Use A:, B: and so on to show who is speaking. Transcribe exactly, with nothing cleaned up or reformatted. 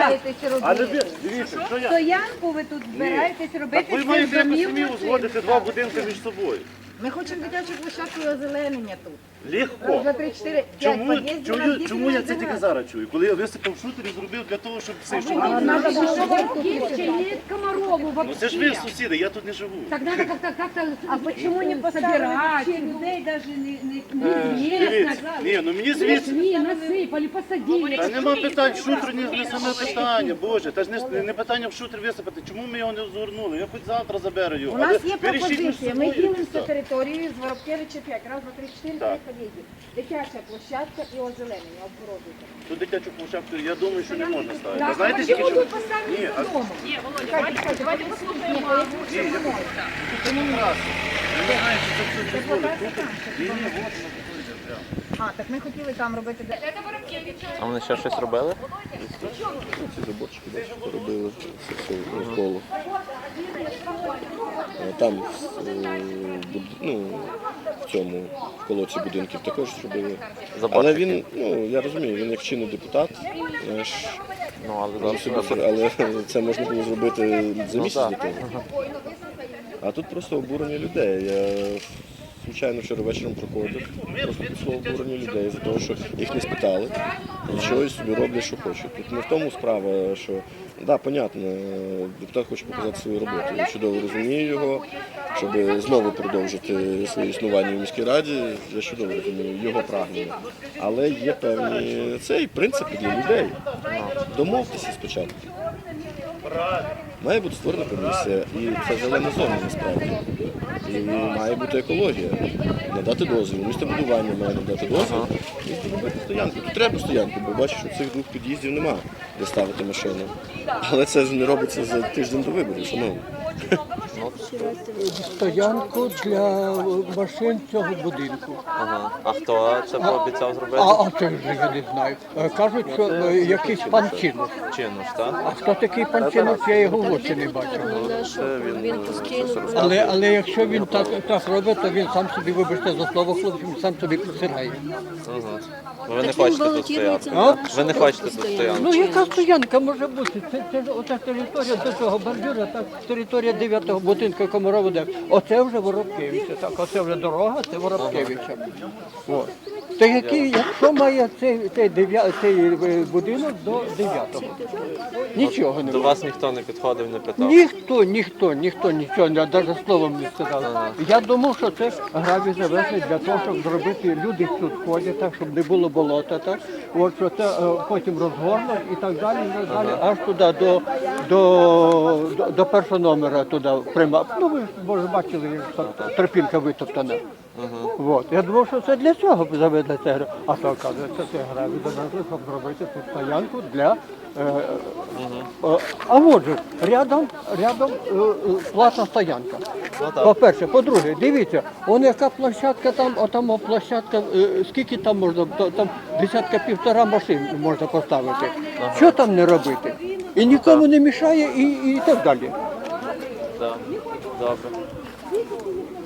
A: збираєтесь
B: Але
A: робити?
B: ви, дивіться, що я...
A: Стоянку ви тут збираєтесь робити?
B: Так ви
A: чи
B: маєте якось
A: домівку
B: самі
A: чи-
B: узгодити два будинки між собою.
C: Ми хочемо дитячу площадку і озеленення тут.
A: Раз,
B: Легко.
A: два, три, чотири, п'ять
B: Чому,
A: під'їздів, у нас
B: чую,
A: діти
B: чому я
A: не
B: це тільки
A: живуть.
B: зараз чую? Коли я висипав шутер і зробив для того, щоб все, щоб...
A: А надо було
D: Есть Комарову
B: Ну
D: вообще.
B: це ж ви сусіди, я тут не живу.
D: Так надо как-то как-то
A: А почему не поставили
D: собирать.
A: вообще людей даже не... не...
B: Дивіться, ні, ну мені звідси...
D: Пришли, насыпали, посадили.
B: Та нема питань, шутер не, не саме питання, Боже, та ж не, не питання в шутер висипати. Чому ми його не згорнули? Я хоч завтра заберу його.
C: У нас
B: Але
C: є
B: ви рішіть між
C: пропозиція. Ми
B: собою, і
C: ділимося
B: все.
C: територією з Воробкевича п'ять. Раз, два, три, чотири,
B: Так.
C: п'ять під'їздів. Дитяча площадка і озеленення. Обгородуйте.
B: Тут дитячу площадку, я думаю, що не можна ставити.
D: Да,
B: А знаєте,
D: почему
B: тільки що...
D: тут поставили
B: Ні, а...
D: дома?
B: Ні, я тут раз. Я не знаю, чи це все дозволить. Тут... Ні, ні, от воно тут йде прямо.
C: А, так ми хотіли там робити. де-
E: А вони ще щось робили?
F: Ці заборчики бачите, робили все навколо. А там е, буд- ну, в цьому в колодці будинків також зробили. Але
E: Заборчики.
F: він, ну я розумію, він як чинний депутат, знаєш,
E: Ну, але
F: він
E: зараз
F: собі це- але це можна було зробити за місяць
E: так.
F: до того. А тут просто обурення людей. Я звичайно вчора вечором проходив, просто пішло обурення людей за того, що їх не спитали і чогось собі роблять, що хочуть. Тут не в тому справа, що да, понятно, депутат хоче показати свою роботу. Я чудово розумію його, щоб знову продовжити своє існування в міській раді. Я чудово розумію його прагнення. Але є певні цей принципи для людей. Домовтеся спочатку. Має бути створена комісія, і це зелена зона насправді. І має бути екологія. Надати дозвіл. Містобудування має надати дозвіл і зробити стоянку. Тут треба стоянку, бо бачиш, що цих двох під'їздів нема, де ставити машину. Але це ж не робиться за тиждень до виборів, шановні.
G: Стоянку для машин цього будинку.
E: Ага. А хто це пообіцяв зробити?
G: А, а це вже я не знаю. Е, Кажуть, що е, якийсь пан Чинуш.
E: Чинуш, так?
G: А хто такий пан Чинуш, я його в очі не бачив.
E: Це він постійно.
G: Але, але якщо він так, так робить, то він сам собі, вибачте за слово, хлопці, він сам собі присирає.
E: Ви не хочете тут стояти?
G: А?
E: Ви не хочете тут стояти?
G: Ну яка стоянка може бути? Це, це ж ота територія до цього бордюра, так, територія дев'ятого будинку Комарова де. Оце вже Воробкевича, так, оце вже дорога, це Воробкевича. От. Та який, якщо має цей, цей, дев'я- цей е, будинок до дев'ятого? Нічого не
E: До
G: має.
E: вас ніхто не підходив, не питав?
G: Ніхто, ніхто, ніхто нічого, навіть словом не сказав. Я думав, що це гравій завезли для того, щоб зробити, люди тут ходять, так, щоб не було болота, так, от, що це е, потім розгорнуть і так далі, і так далі, аж туди до, до, до, до першого номера туди прямо. Ну ви ж, може, бачили, як так, тропінка витоптана. От. Я думав, що це для цього заведли це гравій. А то, оказується, це гравій завезли, щоб зробити тут стоянку для... Е, е, а от же, рядом, рядом е, е, платна стоянка. По-перше, по-друге, дивіться, он яка площадка там, а там площадка, е, скільки там можна, то- там десятка півтора машин можна поставити. Що там не робити? І нікому не мішає, і, і так далі.
E: Так. Добре.